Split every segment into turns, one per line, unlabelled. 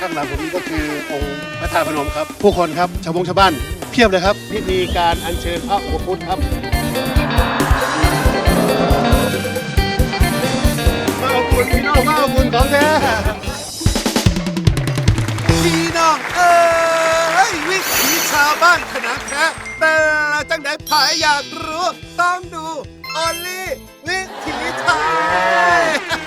ข้างหลังผมนี่ก็คือองค์พระธาตุพนมครับผู้คนครับชาวบ้านเพียบเลยครับพิธีการอัญเชิญพระอุปคุตครับพระอุปคุตพี่น้องพระอุปคุตของแท้
พี่น้องวิถีชาวบ้านขนาดแท้แต่จังได๋ผายอยากรู้ต้องดูออลลี่วิถีไทย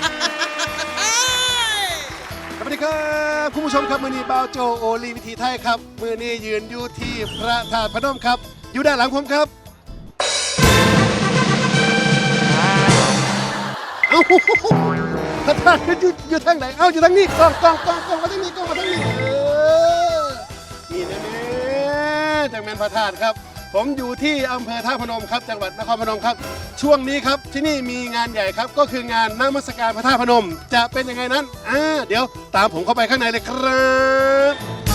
สวัสดีครับคุณผู้ชมครับมือนี้บ่าวโจโอลีวิถีไทยครับมือนี้ยืนอยู่ที่พระธาตุพนมครับอยู่ด้านหลังผมครับเอ้าพระธาตุอยู่ทางไหนเอ้าอยู่ทางนี้กล้องมาทางนี้กล้องมาทางนี้นี่แน่ๆจังแม่นพระธาตุครับผมอยู่ที่อำเภอท่าพนมครับจังหวัดนครพนมครับช่วงนี้ครับที่นี่มีงานใหญ่ครับก็คืองานนมัสการพระธาตุพนมจะเป็นยังไงนั้นเดี๋ยวตามผมเข้าไปข้างในเลยครับ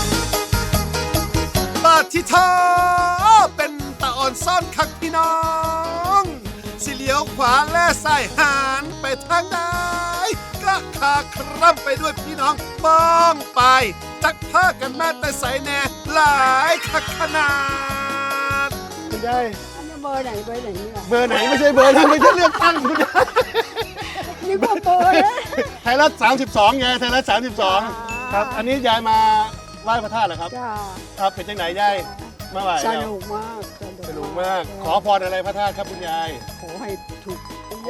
บาทิทอเป็นตาอ่อนซ่อนคักพี่น้องสิเลี้ยวขวาและซ้ายหันไปทางใดกระคาคร่ำไปด้วยพี่น้องมองไปจักผ้ากันมาแต่ใสแน่หลายคักขนาด
คุณยาย
เบอร์ไหนนี่ล่ะ
เบอร์ไหนไม่ใช่เบอร์นั้นไม่ใช่เลือกตั้งคุณยาย
นี่ก็เบอร์นะ
ไทยรัฐ32ไงไทยรัฐ32ครับอันนี้ยายมาไหว้พระธาตุเหรอครับ
จ้า
ครับเป็นจังไหนยายมาไหว้
ส
แล้ว
นุกมาก
สนุกมากขอพรอะไรพระธาตุครับคุณยาย
ขอให้ถูก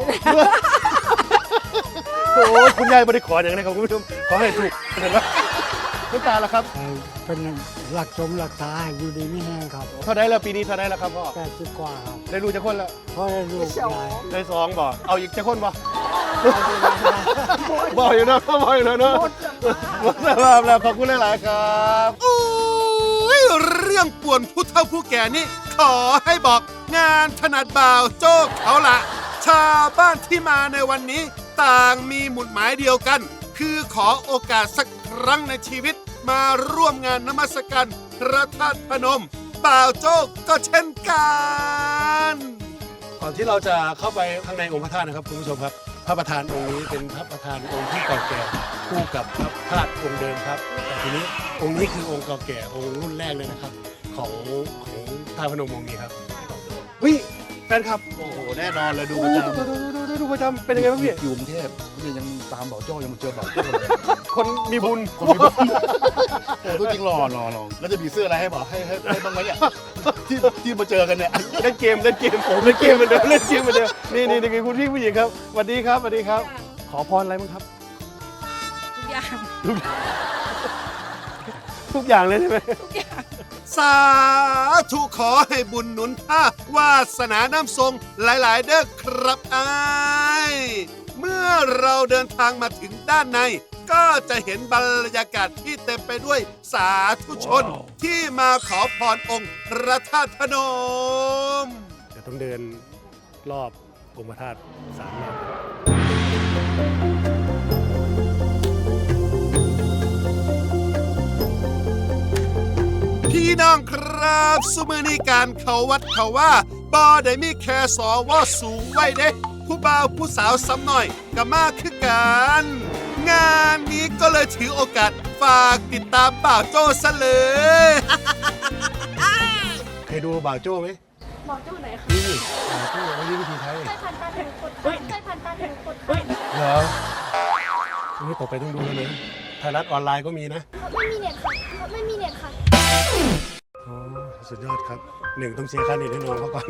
โอ้ยคุณยายไม่ได้ขออย่างนี้ครับคุณผู้ชมขอให้ถูกเห็นไหมคุณตาล่ะครับ
เป็นหลักสมหลักษาให้อยู่ดีไม่แห้งครับ
เท่าไหร่แล้วปีนี้เท่าไหร่แล้วครับพ่อ
80 กว่าครับ
ได้รู้จะคนแล้ว
เพราะได้ลูกหลาย
ได้2บ่เอาอีกจะคนบ่บ่อยู่นะบ่อยู่แล้วเนาะหมดแล้วขอบคุณหลายๆครับ
อุ้ยเรื่องป่วนผู้เฒ่าผู้แก่นี่ขอให้บอกงานถนัดบ่าวโจ๊กเขาละชาวบ้านที่มาในวันนี้ต่างมีหมุดหมายเดียวกัน คือขอโอกาสสักครั้งในชีวิตมาร่วมงานนมัสการพระธาตุพนมบ่าวโจ๊กก็เช่นกัน
ก่อนที่เราจะเข้าไปข้างในองค์พระธาตุนะครับคุณผู้ชมครับพระประธานองค์นี้เป็นพระประธานองค์ที่เก่าแก่คู่กับพระธาตุองค์เดิมครับแต่ทีนี้องค์นี้คือองค์เก่าแก่องค์รุ่นแรกเลยนะครับของท่าพนมองค์นี้ครับเฮ้ยแฟนครับโอ้โหแน่นอนเลยดูประจำดูประจำเป็นยังไงบ้างพี่
อยู่กรุงเทพเนี่ยยังตามเบาโจ้ยังมาเจอเบาโจ้เลย
คนมีบุญ
คนมีบุญโอ้ตัวจริงหล่อแล้วจะมีเสื้ออะไรให้บอกให้บ้างไหมเนี่ยที่มาเจอกันเนี่ย
เล่นเกมโอ้เล่นเกมเหมือนเดิมนี่คือคุณพี่ผู้หญิงครับสวัสดีครับขอพรอะไรบ้างครับ ทุกอย่างเลยใช่ไหม
สาธุขอให้บุญหนุนท่าวาสนาน้ำทรงหลายๆเด้อครับอ้ายเมื่อเราเดินทางมาถึงด้านใน ก็จะเห็นบรรยากาศที่เต็มไปด้วยสาธุชนที่มาขอพรองค์พระธาตุพนม
เดี๋ยวต้องเดินรอบองค์พระธาตุ3 รอบ
พี่น้องครับสมือนี้การเขาวัดเขาว่าบ่ได้มีแค่สวสูงไว้เด้ผู้บ่าวผู้สาวซ้ำหน่อยก็มากคือกัน งานนี้ก็เลยถือโอกาสฝากติดตามบ่าวโจ้ซะเลย
เคยดูบ่าวโจ้ไหม
หมอจู้ไหนคะ
นี่บ่าวโจ้เขาเรียกวิธีไทย
ใช่พันตาถึงคนใช่พันตาถึงคน
เหรอนี่ต่อไปต้องดูเลยไทยรัฐออนไลน์ก็มีนะ
ไม่มีเน็ตค่ะไม่มีเน็ตค่ะ
โอ้สุดยอดครับต้องเสียค่าเน็ตให้น้องเขาก่อน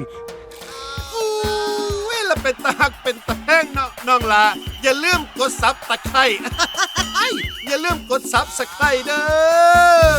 อุ้ยแล้วเป็นตาหักเป็นตาแห้งเนาะน้องลาอย่าลืมกดซับตะไคร้ อย่าลืมกดซับสไคร้เด้อ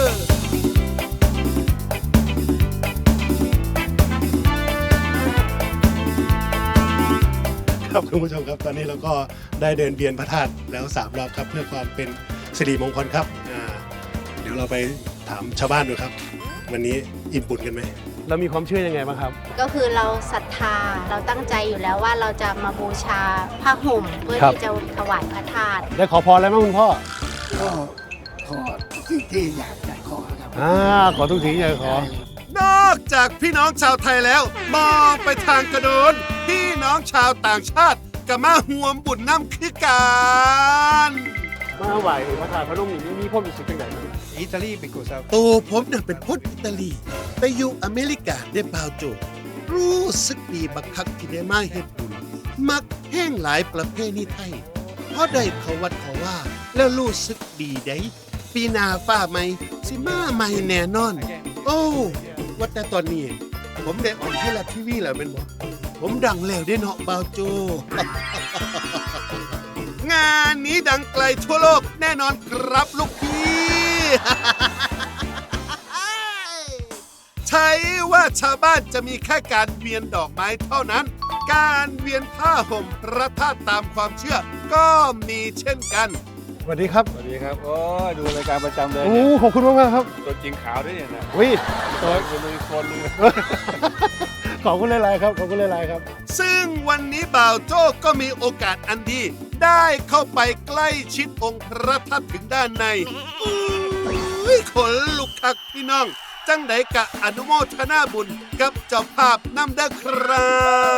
ครับคุณผู้ชมครับตอนนี้เราก็ได้เดินเวียนพระธาตุแล้ว3 รอบครับเพื่อความเป็นสิริมงคลครับเดี๋ยวเราไปถามชาวบ้านดูครับ วันนี้อิ่มบุญกันไหมเรามีความเชื่อยังไงบ้างครับ
ก็คือเราศรัทธาเราตั้งใจอยู่แล้วว่าเราจะมาบูชาผ้าห่มเพื่อ
ครับ
ที่จะถวายพระธาตุ
ได้ขอพรอะไรบ้างคุณพ่อ
ก็ขอที่อยากจะขอครับ
ขอทุกสิ่งอย่างขอ
นอกจากพี่น้องชาวไทยแล้ว มองไปทางกระโดนพี่น้องชาวต่างชาติก็มาห่วมบุญน้ำคือกัน
คมาไหวพระธาตุพนมนี่มีความรู้สึกเป็นไงครับ
Italy because of
ตัวผมน่ะเป็นคนอิตาลีไปอยู่อเมริกาได้เปล่าโจรู้สึกดีบักคักที่ได้มาเฮ็ดบุญมักแห้งหลายประเพณีไทยเพราะได้เขาวัดเขาว่า แล้วรู้สึกดีได้ปีหน้าฟ้าใหม่สิมาใหม่แน่นอน โอ้ว่าแต่ตอนนี้ ผมได้ออกไทยรัฐทีวีแล้วเป็นบ่ผมดังแล้วได้เนาะเปล่าโจ งานนี้ดังไกลทั่วโลกแน่นอนครับลูกพี่ ใช่ว่าชาวบ้านจะมีแค่การเวียนดอกไม้เท่านั้น การเวียนผ้าห่มพระธาตุตามความเชื่อ ก็มีเช่นกัน
สวัสดีครับ
สวัสดีครับ โอ้ยดูรายการประจำเลย
โอ้
เนี่ย
ขอบคุณมากๆครับ
ตัวจริงขาวด้วยเนี่ยนะ
วิ
ตัวเป็นอีกคนนึง
ขอบคุณหลายๆครับขอบคุณหลายๆครับ
ซึ่งวันนี้บ่าวโจ้ก็มีโอกาสอันดี ได้เข้าไปใกล้ชิดองค์พระธาตุถึงด้านในอุ้ยขนลุกคักพี่น้อง จังไดกะอนุโมทนาบุญกับเจ้าภาพนำเด้อครับ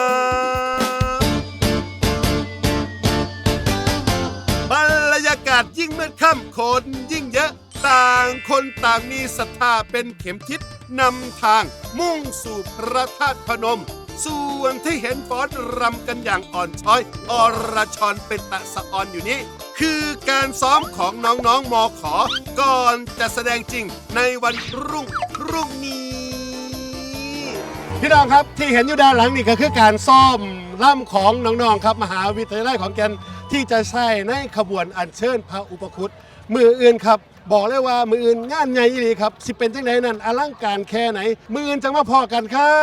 บรรยากาศยิ่งมืดค่ำคนยิ่งเยอะ ต่างคนต่างมีศรัทธาเป็นเข็มทิศนำทางมุ่งสู่พระธาตุพนม ส่วนที่เห็นฟ้อนรำกันอย่างอ่อนช้อยอรชรเป็นตะสะออนอยู่นี้ คือการซ้อมของน้องๆมขอ ก่อนจะแสดงจริงในวันรุ่งนี้
พี่น้องครับที่เห็นอยู่ด้านหลังนี่ก็คือการซ่อมล่ำของน้องๆครับมหาวิทยาลัยขอนแก่นที่จะใช้ในขบวนอัญเชิญพระอุปคุตมืออื่นครับ บอกเลยว่ามืออื่นงานใหญ่อีหลีครับสิเป็นจังไดนั่นอลังการแค่ไหนมืออื่นจังมาพอกันครับ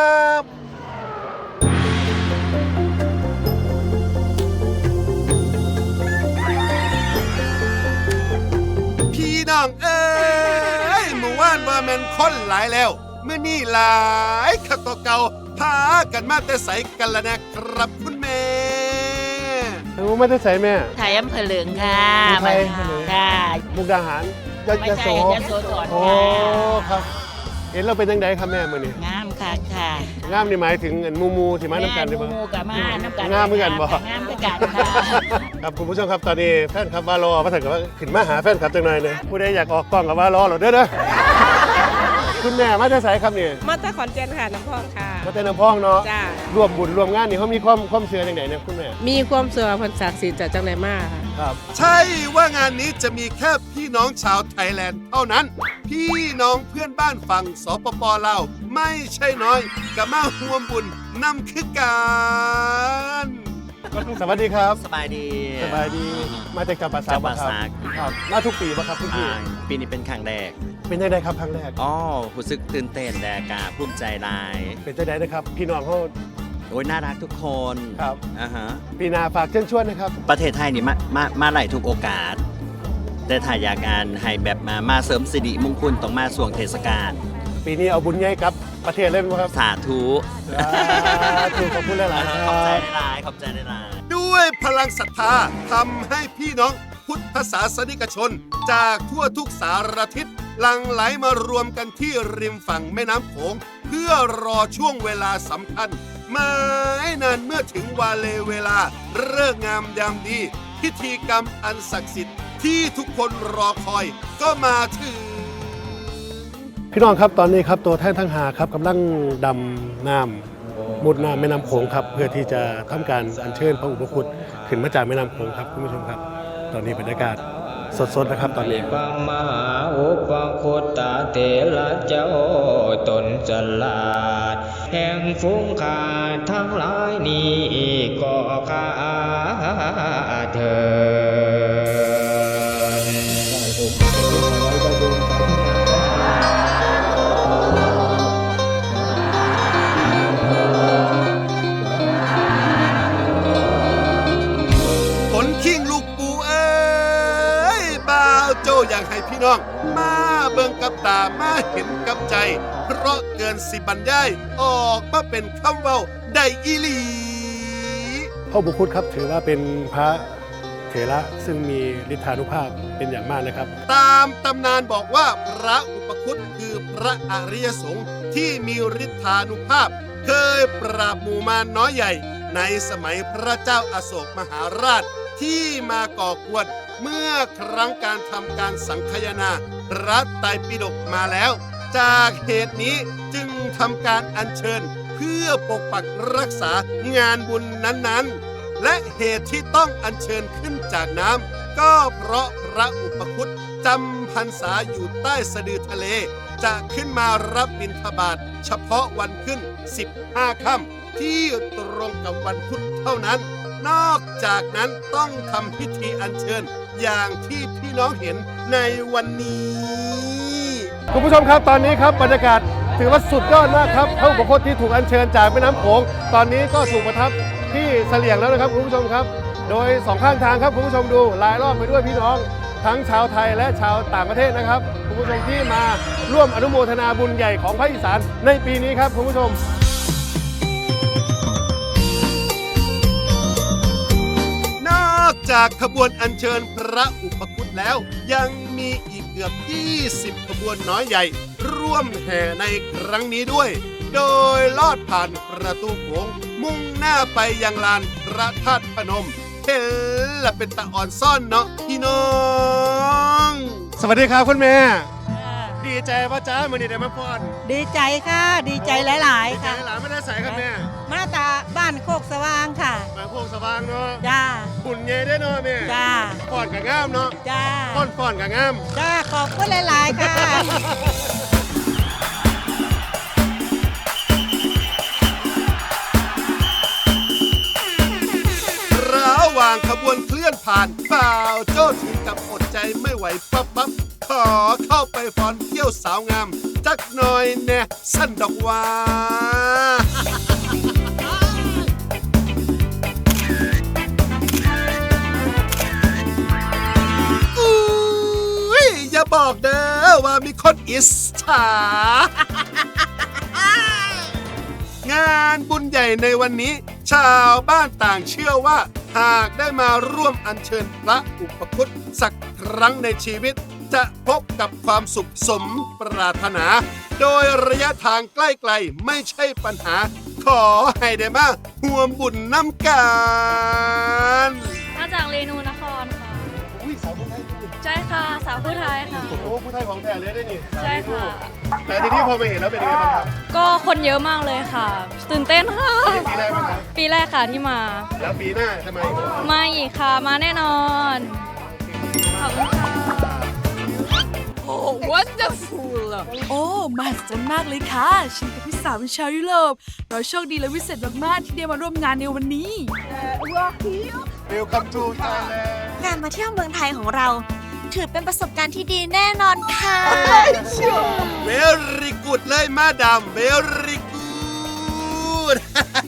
พี่น้องเอ้ยเมื่อวานว่าแม่นคนหลายแล้วเมื่อนี่หลายขักตัวเก่าพากันมาแต่ใสกันละนะครับคุณแม่
ไม่ได้ใส่แม่
ไทยอำเภอเหลืองค่ะ
ไทย
ค่ะ
มุกดาหารย
ไม่
โส
ใช่ยโสธร
โอ้
ค่ะ
ครับ เห็นเราเป็นจังไดครับแม่มื้อนี้
งามค่ะค่ะ
งามนี่หมายถึงอันมูที่มาน้ำกันได้บ่
หมูกับมาน้ำกัน
งามเหมือนกันบ่
งามเหมือนกันค่ะ
ครับคุณผู้ชมครับตอนนี้แฟนคลับว่ารอมาถึงกับว่าขึ้นมาหาแฟนคลับจังหน่อยเลยผู้ใดอยากออกกล้องกับว่ารอเหรอเด้อ คุณแม่มาจะใส่ครับนี่
มาตาขอนแก่นค่ะน้ำพองค่ะ
มาแต่น้ำพองเนาะ
จ้า
ร่วมบุญร่วมงานนี่เขามีความเชื่อจังไหนเนี่ยคุณแม่
มีความเสื่อพันศักดิ์สิทธิ์จากจังไรมากค่ะ
ครับ
ใช่ว่างานนี้จะมีแค่พี่น้องชาวไทยแลนด์เท่านั้น พี่น้องเพื่อนบ้านฝั่งสปปลาวไม่ใช่น้อยกับมาร่วมบุญนำคือการ
สวัสดีครับ
สบายดี
สบายดีมาจากจังหวัดสา
จังหวัด
ครั
สาก
ครับมาทุกปีป่ะครับทุกปี
ปีนี้เป็นครั้งแรก
เป็นจังไดครับครั้งแรก
อ๋อรู้สึกตื่นเต้นแดกาภูมิใจหลาย
เป็นจังไดนะครับ พี่น้องเขา
โอ้ยน่ารักทุกคน
ครับ
อ่าฮะ
ปีหนาฝากเชิญชวนนะครับ
ประเทศไทยนี่มาหลายทุกโอกาส แต่ถ้าอยากงานให้แบบมาเสริมสิริมงคลต้องมาช่วงเทศกาล
ปีนี้เอาบุญใหญ่กับประเทศเลยไหมครับ
สาธุ
ถูกขอบคุณหลายๆค
ขอบใจ
รับ
หลายๆขอบใจหลายๆ
ด้วยพลังศรัทธาทำให้พี่น้องพุทธศาสนิกชน จากทั่วทุกสารทิศหลั่งไหลมารวมกันที่ริมฝั่งแม่น้ำโขงเพื่อรอช่วงเวลาสำคัญไม่นานเมื่อถึงวาเลเวลาเลิกงามยามดี พิธีกรรมอันศักดิ์สิทธิ์ที่ทุกคนรอคอยก็มาถึง
พี่น้องครับตอนนี้ครับตัวแท่นทั้งหาครับกำลังดำน้ำมุดน้ำแม่น้ำโขงครับเพื่อที่จะทำการอัญเชิญพระอุปคุตขึ้นมาจากแม่น้ำโขงครับคุณผู้ชมครับ ตอนนี้บรรยากาศสดๆนะครับตอนนี้
ปังมหาอุปคุตตาเตระเจ้าตนจลาด แห่งฟุ้งขาดทั้งหลายนี้ก็ข้าเถิ
ผลขิงลูกปูเอ้ยบ่าวโจอยากให้พี่น้อง มาเบิ่งกับตามาเห็นกับใจ เพราะเกินสิบรรยายออกมาเป็นคำเว้าได้อีหลี
พระอุปคุตครับถือว่าเป็นพระเถระซึ่งมีฤทธานุภาพเป็นอย่างมากนะครับ
ตามตำนานบอกว่าพระอุปคุตคือพระอริยสงฆ์ที่มีฤทธานุภาพ เคยปราบหมู่มารน้อยใหญ่ ในสมัยพระเจ้าอโศกมหาราชที่มาก่อกวนเมื่อครั้งการทำการสังคายนาพระไตรปิฎกมาแล้ว จากเหตุนี้จึงทำการอัญเชิญเพื่อปกปักรักษางานบุญนั้นๆ และเหตุที่ต้องอัญเชิญขึ้นจากน้ำก็เพราะพระอุปคุตจำพรรษาอยู่ใต้สะดือทะเล จะขึ้นมารับบิณฑบาตเฉพาะวันขึ้น 15 ค่ำที่ตรงกับวันพุธเท่านั้น นอกจากนั้นต้องทำพิธีอัญเชิญอย่างที่พี่น้องเห็นในวันนี้
คุณผู้ชมครับตอนนี้ครับบรรยากาศถือว่าสุดยอดมากครับพระอุปคุตที่ถูกอัญเชิญจากแม่น้ำโขงตอนนี้ก็ถูกประทับที่เสลี่ยงแล้วนะครับคุณผู้ชมครับ โดยสองข้างทางครับคุณผู้ชมดูรายรอบไปด้วยพี่น้องทั้งชาวไทยและชาวต่างประเทศนะครับคุณผู้ชมที่มาร่วมอนุโมทนาบุญใหญ่ของภาคอีสานในปีนี้ครับคุณผู้ชม
นอกจากขบวนอัญเชิญพระอุปคุตแล้ว ยังมีอีกเกือบ 20 ขบวนน้อยใหญ่ ร่วมแห่ในครั้งนี้ด้วย โดยลอดผ่านประตูโขงมุ่งหน้าไปยังลานพระธาตุพนมเห็นละเป็นตะอ่อนซ่อนเนาะพี่น้อง
สวัสดีครับคุณแม่ดีใจว่าจ้ามือนี้ได้มาพร
ดีใจค่ะ ดีใจหลายๆ
ค่ะ
ค่ะ
หลานไม่ได้ใส่ครับแม่
มาตาบ้านโคกสว่างค่ะ
มาโคกสว่างเนาะ
จ้า
บุญใหญ่ได้เนาะแม่
จ้า
พรกับงามเนาะ
จ้า
พรกับงาม
จ้า ขอบคุณหลายๆ ค่ะ
ระหว่างขบวนเคลื่อนผ่านบ่าวโจ้ถึงกับอดใจไม่ไหวปั๊บขอเข้าไปฟ้อนเที่ยวสาวงามจักหน่อยแน่สั้นดอกว่าอุ้ยอย่าบอกเด้อว่ามีคนอิจฉางานบุญใหญ่ในวันนี้ ชาวบ้านต่างเชื่อว่าหากได้มาร่วมอัญเชิญพระอุปคุตสักครั้งในชีวิต จะพบกับความสุขสมปรารถนา โดยระยะทางใกล้ๆไม่ใช่ปัญหา ขอให้ได้มาห่วมบุญน้ำกัน
มาจากเรนูนครค่ะ
อุ้ยสาวคนไทย
ใช่ค่ะ สาวผู้ไทยค่ะ
โอ้ผู้ไทยของแท้เลยได้นี่
ใช่ค่ะ
แต่ทีนี้พอมาเห็นแล้วเป็นยังไงบ้างครับ
ก็คนเยอะมากเลยค่ะ ตื่นเต้นค่ะ
ปีแรกไหมครับ
ปีแรกค่ะที่มา
แล้วปีหน้าทำไม
มาอีกค่ะ มาแน่นอน ขอบคุณค่ะ
โอ้ wonderful โอ้มหัศจรรย์มากเลยค่ะ ฉันกับพี่สาวเป็นชาวยุโรป เราโชคดีและวิเศษมากๆที่ได้มาร่วมงานในวันนี้
Welcome to Thailand
การมาเที่ยวเมืองไทยของเรา ถือเป็นประสบการณ์ที่ดีแน่นอนค่ะ
Very good เลยมาดาม Very good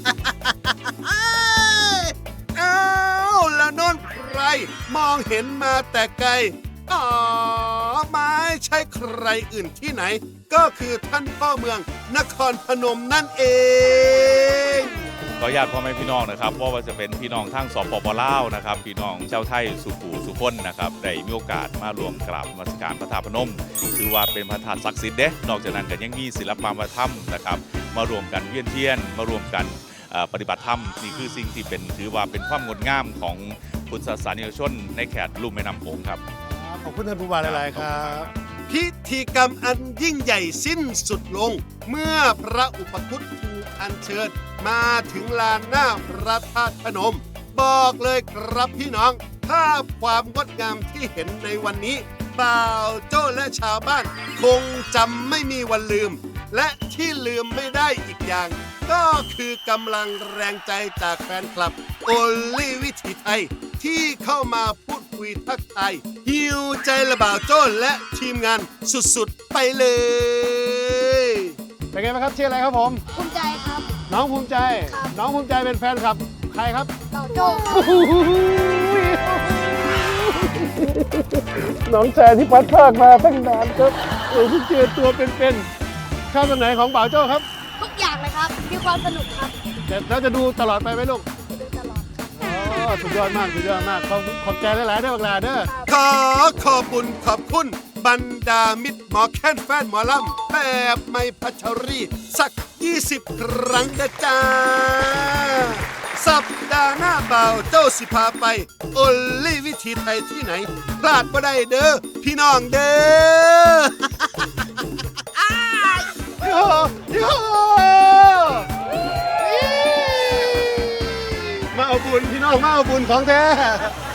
อ้าวแล้วนนใครมองเห็นมาแต่ไกลอ๋อไม่ใช่ใครอื่นที่ไหน ก็คือท่านพ่อเมืองนครพนมนั่นเอง
ขออนุญาตพ่อแม่พี่น้องนะครับว่าจะเป็นพี่น้องทั้งสปปลาวนะครับพี่น้องเจ้าไทยสุขูสุพ้นนะครับได้มีโอกาสมารวมกราบนมัสการพระธาตุพนมถือว่าเป็นพระธาตุศักดิ์สิทธิ์เด้นอกจากนั้นก็ยังมีศิลปวัฒนธรรมนะครับมารวมกันเวียนเทียนมารวมกันปฏิบัติธรรมนี่คือสิ่งที่เป็นถือว่าเป็นความงดงามของพุทธศาสนิกชนในแขตลุ่มแม่น้ำโขงครับ
ขอบคุณท่านผู้ว่าหลายๆครับ
พิธีกรรมอันยิ่งใหญ่สิ้นสุดลง เมื่อพระอุปคุตถูกอัญเชิญมาถึงลานหน้าพระธาตุพนม บอกเลยครับพี่น้องภาพความงดงามที่เห็นในวันนี้บ่าวโจ้และชาวบ้าน คงจำไม่มีวันลืม และที่ลืมไม่ได้อีกอย่าง ก็คือกำลังแรงใจจากแฟนคลับโอลี่วิถีไทย ที่เข้ามาพูดคุยทักทายฮิวใจละบ่าวโจ้และทีมงานสุดๆไปเลย
เป็นไงบ้างครับชื่ออะไรครับผม
ภูมิใจครับ
น้องภูมิใจ น้องภูมิใจเป็นแฟนคลับใครครับ
เราโจ้
น้องแซนที่พัดภาคมาตั้งนานครับเพิ่งเจอตัวเป็นๆชอบตรงไหนของบ่าวโจ้ครับ
ทุกอย่างเลยครับ มีความสนุกครับ
แล้วจะดูตลอดไปไหมลูก
ดูตลอดครับ
อ๋อสุดยอดมากสุดยอดมากขอบใจหลายๆเด้อบักหลาเด้อ
ขอบคุณขอบคุณบรรดามิตรหมอแค้นแฟนหมอลำแบบไม่พัชรีสัก 20 ครั้งนะจ้าสัปดาห์หน้าเบาโจ้สิพาไปโอลี่วิธีไทยที่ไหนพลาดบ่ได้เด้อพี่น้องเด้อ
โยโยมาเอาบุญพี่น้องมาเอาบุญของแท้